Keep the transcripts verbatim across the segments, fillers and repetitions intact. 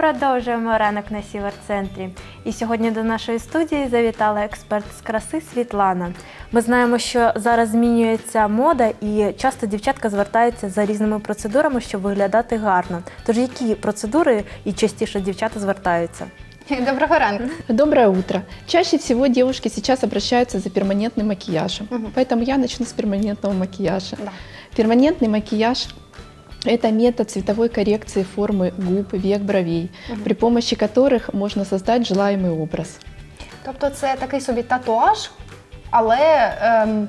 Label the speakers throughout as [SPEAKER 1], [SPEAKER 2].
[SPEAKER 1] Продовжуємо ранок на Сіверцентрі. І сьогодні до нашої студії завітала експерт з краси Світлана. Ми знаємо, що зараз змінюється мода і часто дівчатка звертаються за різними процедурами, щоб виглядати гарно. Тож які процедури і частіше дівчата звертаються?
[SPEAKER 2] Доброго ранку.
[SPEAKER 3] Доброе утро. Чаще всего девушки сейчас обращаются за перманентным макияжем. Угу. Поэтому я начну с перманентного макияжа. Да. Перманентный макияж – это метод цветовой коррекции формы губ, век, бровей, угу. при помощи которых можно создать желаемый образ.
[SPEAKER 2] Тобто це такий собі татуаж, але... Ем...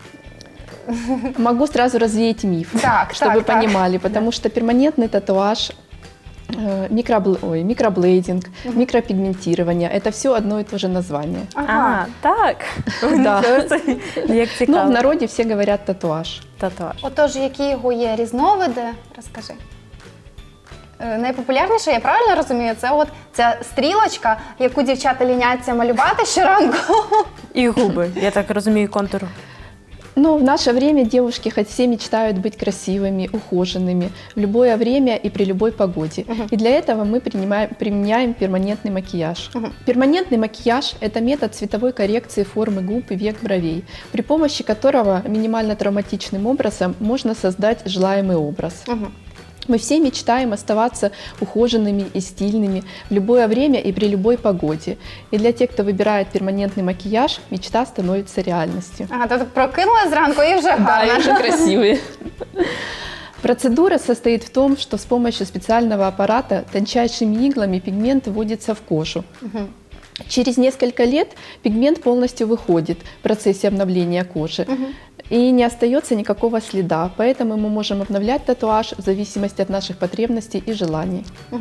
[SPEAKER 3] Могу сразу развеять миф,
[SPEAKER 2] так,
[SPEAKER 3] чтобы
[SPEAKER 2] так,
[SPEAKER 3] вы понимали,
[SPEAKER 2] так.
[SPEAKER 3] потому что перманентный татуаж, Микробл... Ой, микроблейдинг, угу. микропигментирование – это все одно и то же название.
[SPEAKER 1] Ага, а, так?
[SPEAKER 3] Да.
[SPEAKER 1] Як цікаво.
[SPEAKER 3] Ну, в народі всі говорять татуаж.
[SPEAKER 1] Татуаж.
[SPEAKER 2] Отож, які його є різновиди, розкажи. Найпопулярніше, я правильно розумію, це от ця стрілочка, яку дівчата ліняться малювати щоранку.
[SPEAKER 1] І губи, я так розумію, контуру.
[SPEAKER 3] Ну, в наше время девушки хоть все мечтают быть красивыми, ухоженными в любое время и при любой погоде. Uh-huh. И для этого мы принимаем, применяем перманентный макияж. Uh-huh. Перманентный макияж – это метод цветовой коррекции формы губ и век, бровей, при помощи которого минимально травматичным образом можно создать желаемый образ. Uh-huh. Мы все мечтаем оставаться ухоженными и стильными в любое время и при любой погоде. И для тех, кто выбирает перманентный макияж, мечта становится реальностью.
[SPEAKER 2] Ага, то прокинулась зранку и уже гарно.
[SPEAKER 3] Да, и уже красивые. Процедура состоит в том, что с помощью специального аппарата тончайшими иглами пигмент вводится в кожу. Угу. Через несколько лет пигмент полностью выходит в процессе обновления кожи. Угу. И не остается никакого следа, поэтому мы можем обновлять татуаж в зависимости от наших потребностей и желаний.
[SPEAKER 2] Угу.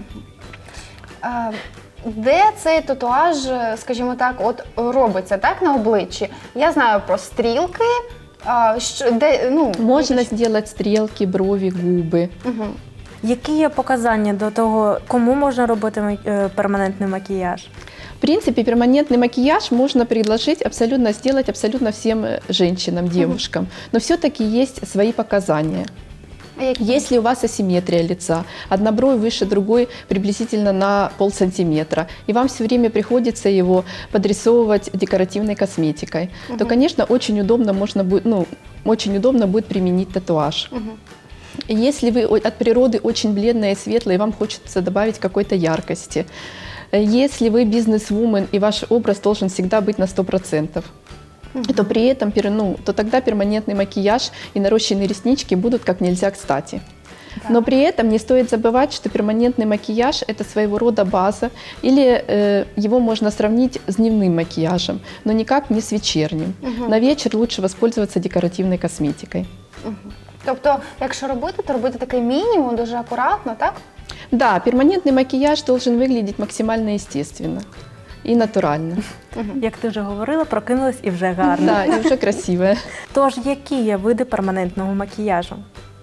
[SPEAKER 2] А, де цей татуаж, скажімо так, от робиться, так, на обличчі? Я знаю про стрілки. А, що, де, ну,
[SPEAKER 3] Можно
[SPEAKER 2] які...
[SPEAKER 3] сделать стрелки, брови, губы.
[SPEAKER 2] Угу.
[SPEAKER 1] Які є показання до того, кому можна робити перманентний макіяж?
[SPEAKER 3] В принципе, перманентный макияж можно предложить абсолютно сделать абсолютно всем женщинам, девушкам, но все-таки есть свои показания. Если у вас асимметрия лица, одна бровь выше другой приблизительно на полсантиметра, и вам все время приходится его подрисовывать декоративной косметикой, угу. то, конечно, очень удобно, можно будет, ну, очень удобно будет применить татуаж. Угу. Если вы от природы очень бледная и светлая, и вам хочется добавить какой-то яркости, если вы бизнес-вумен и ваш образ должен всегда быть на сто процентов, uh-huh. то при этом, ну, то тогда перманентный макияж и нарощенные реснички будут как нельзя кстати. Да. Но при этом не стоит забывать, что перманентный макияж – это своего рода база, или э, его можно сравнить с дневным макияжем, но никак не с вечерним. Uh-huh. На вечер лучше воспользоваться декоративной косметикой.
[SPEAKER 2] Uh-huh. Тобто, якщо робити, то робити такий мінімум, дуже акуратно, так?
[SPEAKER 3] Да, перманентный макияж должен выглядеть максимально естественно и натурально.
[SPEAKER 1] Як ти вже говорила, прокинулась і вже гарно.
[SPEAKER 3] Да, і вже красивая.
[SPEAKER 1] Тож, які є види перманентного макіяжу?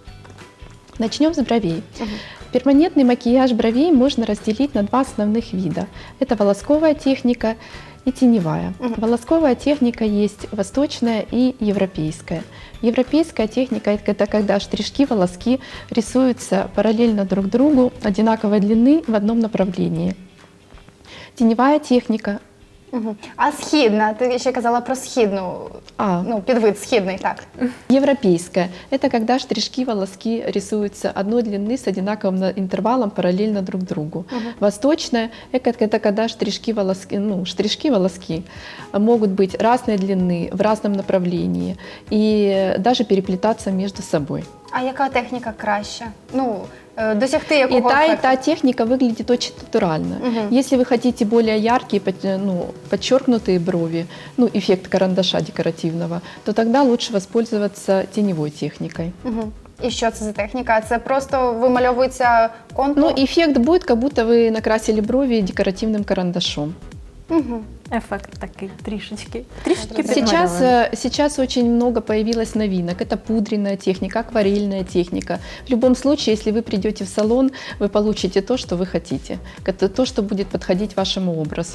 [SPEAKER 3] Начнем с бровей. Угу. Перманентный макияж бровей можно разделить на два основных вида. Это волосковая техника и теневая. Угу. Волосковая техника есть восточная и европейская. Европейская техника – это когда штришки, волоски рисуются параллельно друг другу, одинаковой длины в одном направлении. Теневая техника.
[SPEAKER 2] Угу. А східна? Ти ще казала про східну, а. ну, підвид східний, так.
[SPEAKER 3] Европейская – это когда штришки, волоски рисуются одной длины с одинаковым интервалом параллельно друг другу. Угу. Восточная – это когда штришки, волоски, ну, штришки, волоски могут быть разной длины, в разном направлении и даже переплетаться между собой.
[SPEAKER 2] А яка техніка краща? Ну, досягти якого
[SPEAKER 3] и та,
[SPEAKER 2] эффекта?
[SPEAKER 3] И та техника выглядит очень натурально. Угу. Если вы хотите более яркие, ну, подчеркнутые брови, ну, эффект карандаша декоративного, то тогда лучше воспользоваться теневой техникой.
[SPEAKER 2] Угу. І що це за техніка? Це просто вимальовується контур?
[SPEAKER 3] Ну, эффект будет, как будто вы накрасили брови декоративным карандашом.
[SPEAKER 2] Угу.
[SPEAKER 1] Эффект такой, трішечки. трішечки
[SPEAKER 3] сейчас, сейчас очень много появилось новинок. Это пудренная техника, акварельная техника. В любом случае, если вы придете в салон, вы получите то, что вы хотите. Это то, что будет подходить вашему образу.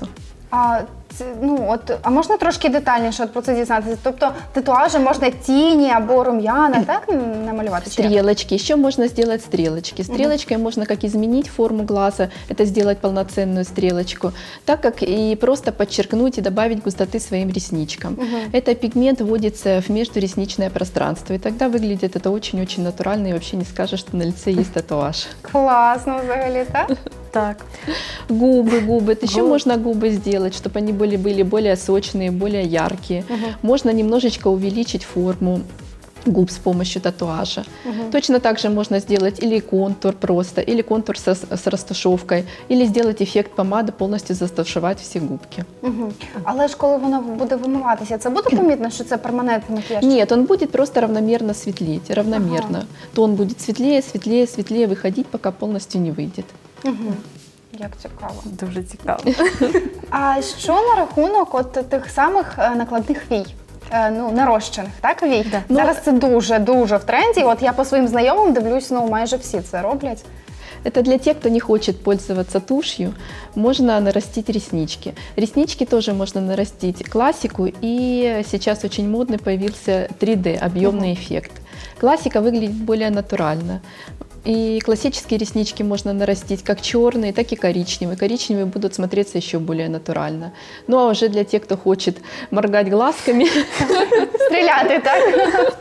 [SPEAKER 2] А, це, ну, от, а можна трошки детальніше от про це дізнатися? Тобто татуажі можна тіні або рум'яна, так, намалювати? Чи як?
[SPEAKER 3] Стрелочки. Еще можно сделать стрелочки. Стрелочкой можно как изменить форму глаза, это сделать полноценную стрелочку, так как и просто подчеркнуть и добавить густоты своим ресничкам. Это пигмент вводится в междуресничное пространство, и тогда выглядит это очень-очень натурально, и вообще не скажешь, что на лице есть татуаж.
[SPEAKER 2] Класно взагалі, так?
[SPEAKER 1] Так.
[SPEAKER 3] Губы, губы. Еще
[SPEAKER 1] Губы.
[SPEAKER 3] можно губы сделать, чтобы они были, были более сочные, более яркие. Можно немножечко увеличить форму губ с помощью татуажа. Точно так же можно сделать или контур просто, или контур со, с растушевкой, или сделать эффект помады, полностью застушевать все губки.
[SPEAKER 2] Угу. Але ж коли воно буде вимиватися, це буде помітно, що це перманентний макіяж?
[SPEAKER 3] Нет, он будет просто равномерно светлеть, равномерно. То он будет светлее, светлее, светлее выходить, пока полностью не выйдет.
[SPEAKER 2] Угу. Як цікаво.
[SPEAKER 1] Дуже цікаво.
[SPEAKER 2] А що на рахунок от тих самих е, накладних вій? Е, Ну, нарощених, так, вій?
[SPEAKER 3] Ну,
[SPEAKER 2] Зараз це дуже-дуже в тренді. От я по своїм знайомим дивлюсь, ну, майже всі це роблять.
[SPEAKER 3] Это для тех, кто не хочет пользоваться тушью, можно нарастить реснички. Реснички тоже можно нарастить классику, и сейчас очень модный появился три дэ, объемный эффект. Классика выглядит более натурально. И классические реснички можно нарастить как черные, так и коричневые. Коричневые будут смотреться еще более натурально. Ну а уже для тех, кто хочет моргать глазками,
[SPEAKER 2] Стріляти, так?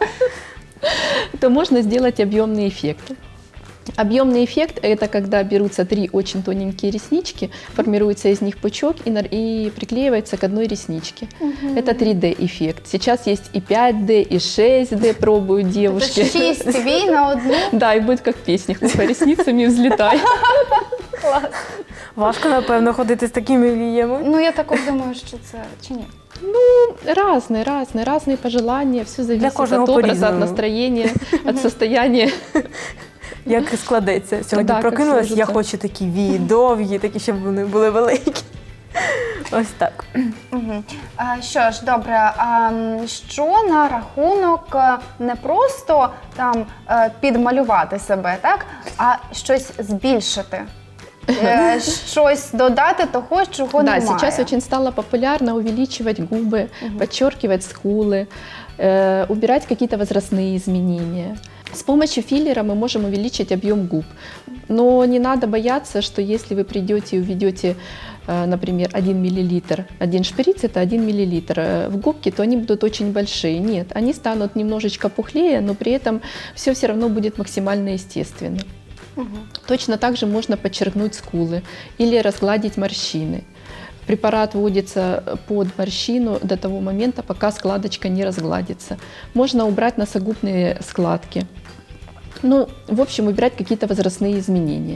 [SPEAKER 3] то можно сделать объемный эффект. Объемный эффект – это когда берутся три очень тоненькие реснички, формируется из них пучок и, нар- и приклеивается к одной ресничке. Это три дэ эффект. Сейчас есть и пять дэ, и шесть дэ пробуют девушки.
[SPEAKER 2] Це шість вій на одну.
[SPEAKER 3] Да, и будет как в песнях, хлопай ресницами, взлетай.
[SPEAKER 2] Клас.
[SPEAKER 1] Важко, напевно, ходити з такими віями.
[SPEAKER 2] Ну, я також думаю, що це, чи ні?
[SPEAKER 3] Разные, разные, разные пожелания. Все зависит
[SPEAKER 1] каждого
[SPEAKER 3] от образа, от
[SPEAKER 1] по-разному.
[SPEAKER 3] настроения, от состояния.
[SPEAKER 1] Як складеться. Сьогодні
[SPEAKER 3] Да, як
[SPEAKER 1] прокинулась, я
[SPEAKER 3] сложиться.
[SPEAKER 1] хочу такі вії довгі, такі, щоб вони були великі. Ось так.
[SPEAKER 2] Угу. А, що ж, добре, а м, що на рахунок е, не просто там е, підмалювати себе, так, а щось збільшити? Е, Щось додати того, чого
[SPEAKER 3] Да,
[SPEAKER 2] немає.
[SPEAKER 3] сейчас очень стало популярно увеличивать губы, подчеркивать скулы, э, убирать какие-то возрастные изменения. С помощью филлера мы можем увеличить объем губ. Но не надо бояться, что если вы придете и уведете, э, например, один миллилитр, один шприц это один миллилитр э, в губки, то они будут очень большие. Нет, они станут немножечко пухлее, но при этом все все равно будет максимально естественно. Точно так же можно подчеркнуть скулы или разгладить морщины. Препарат вводится под морщину до того момента, пока складочка не разгладится. Можно убрать носогубные складки. Ну, в общем, убирать какие-то возрастные изменения.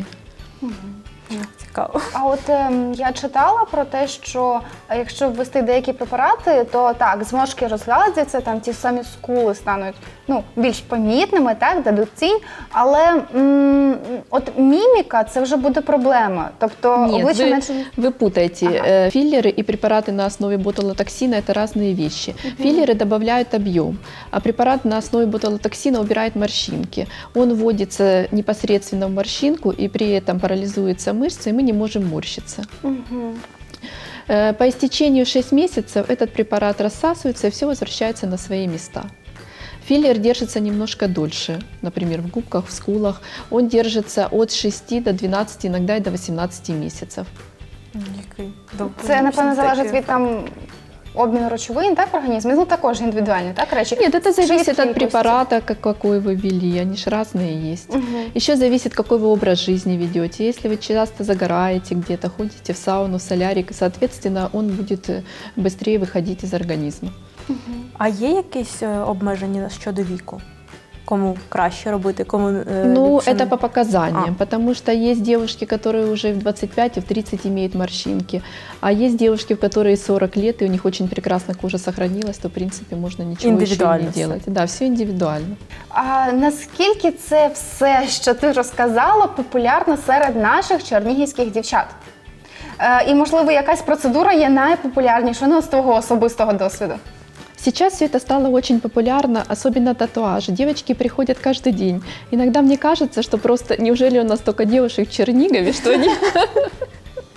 [SPEAKER 1] Цікаво.
[SPEAKER 2] А от ем, я читала про те, що е, якщо ввести деякі препарати, то так, зморшки розгладяться, там ті самі скули стануть ну, більш помітними, так, дадуть тінь, але м, от міміка – це вже буде проблема. Тобто
[SPEAKER 3] Нет,
[SPEAKER 2] обличчя
[SPEAKER 3] вы,
[SPEAKER 2] менше...
[SPEAKER 3] вы путаете.
[SPEAKER 2] Ага.
[SPEAKER 3] Э, Филлеры и препараты на основе ботулотоксина – это разные вещи. Филлеры добавляют объем, а препарат на основе ботулотоксина убирает морщинки. Он вводится непосредственно в морщинку, и при этом парализуется мышцы, и мы не можем морщиться.
[SPEAKER 2] Мгм.
[SPEAKER 3] Э, По истечению шести месяцев этот препарат рассасывается, и все возвращается на свои места. Филлер держится немножко дольше, например, в губках, в скулах. Он держится от шести до двенадцати, иногда и до восемнадцати месяцев.
[SPEAKER 1] Який довгий,
[SPEAKER 2] Це, напевно,
[SPEAKER 1] такий
[SPEAKER 2] залежить від там обміну речовин, так, в організмі? Ну, також індивідуальні, так, речі?
[SPEAKER 3] Нет, это зависит
[SPEAKER 2] Швидкий
[SPEAKER 3] от препарата, как- какой вы ввели, они же разные есть. Еще зависит, какой вы образ жизни ведете. Если вы часто загораете где-то, ходите в сауну, в солярик, соответственно, он будет э, быстрее выходить из организма.
[SPEAKER 1] А є якісь е, обмеження щодо віку? Кому краще робити, кому е,
[SPEAKER 3] Ну,
[SPEAKER 1] ліпше
[SPEAKER 3] это
[SPEAKER 1] не?
[SPEAKER 3] по показаниям,
[SPEAKER 1] А.
[SPEAKER 3] потому что есть девушки, которые уже в двадцать пять и в тридцать имеют морщинки, а есть девушки, в которые сорок лет, и у них очень прекрасно кожа сохранилась, то, в принципе, можно ничего еще
[SPEAKER 1] Индивидуально
[SPEAKER 3] не
[SPEAKER 1] всё.
[SPEAKER 3] делать. Да, все индивидуально.
[SPEAKER 2] А наскільки це все, що ти розказала, популярно серед наших чернігівських дівчат? Е, і, можливо, якась процедура є найпопулярнішою, ну, з твого особистого досвіду?
[SPEAKER 3] Сейчас все это стало очень популярно, особенно татуажи. Девочки приходят каждый день. Иногда мне кажется, что просто неужели у нас столько девушек в Чернигове, что они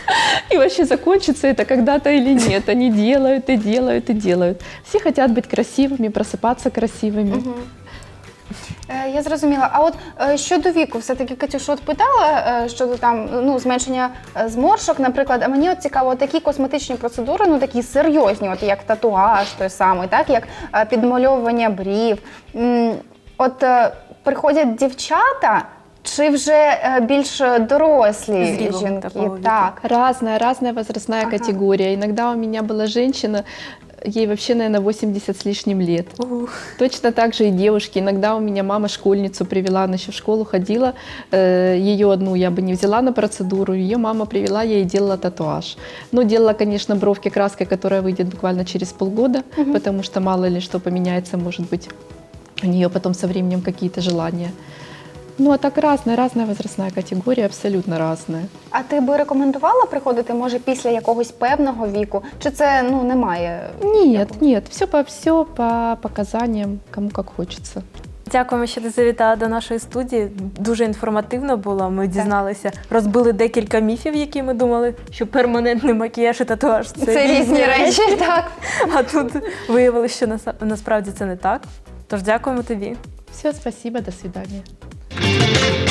[SPEAKER 3] И вообще закончится это когда-то или нет. Они делают и делают и делают. Все хотят быть красивыми, просыпаться красивыми.
[SPEAKER 2] Мгм. Е, Я зрозуміла. А от е, щодо віку, все-таки Катюш, от питала е, щодо там ну зменшення е, зморшок, наприклад. А мені от цікаво, такі косметичні процедури, ну такі серйозні, от як татуаж той самий, так як е, підмальовування брів. М, От е, приходять дівчата. Чи вже е, більш дорослі
[SPEAKER 1] Зрілого
[SPEAKER 2] жінки?
[SPEAKER 1] такого віку.
[SPEAKER 2] Так.
[SPEAKER 3] Разная, разная возрастная
[SPEAKER 2] Ага.
[SPEAKER 3] категория. Иногда у меня была женщина, ей вообще, наверное, восемьдесят с лишним лет.
[SPEAKER 1] Ух.
[SPEAKER 3] Точно так же и девушки. Иногда у меня мама школьницу привела, она еще в школу ходила. Ее одну я бы не взяла на процедуру, ее мама привела, я ей делала татуаж. Ну, делала, конечно, бровки краской, которая выйдет буквально через полгода, потому что мало ли что поменяется, может быть, у нее потом со временем какие-то желания. Ну, а так разная, разная возрастная категория, абсолютно разная.
[SPEAKER 2] А ти би рекомендувала приходити, може, після якогось певного віку? Чи це ну немає?
[SPEAKER 3] Нет, нет, все по, все по показаниям, кому как хочется.
[SPEAKER 1] Дякуємо, що ти завітала до нашої студії. Дуже інформативно було. Ми дізналися, розбили декілька міфів, які ми думали, що перманентний макіяж і татуаж це,
[SPEAKER 2] Це різні речі, так.
[SPEAKER 1] А тут виявилося, що нас- насправді це не так. Тож дякуємо тобі.
[SPEAKER 3] Все, спасибо, до свидания.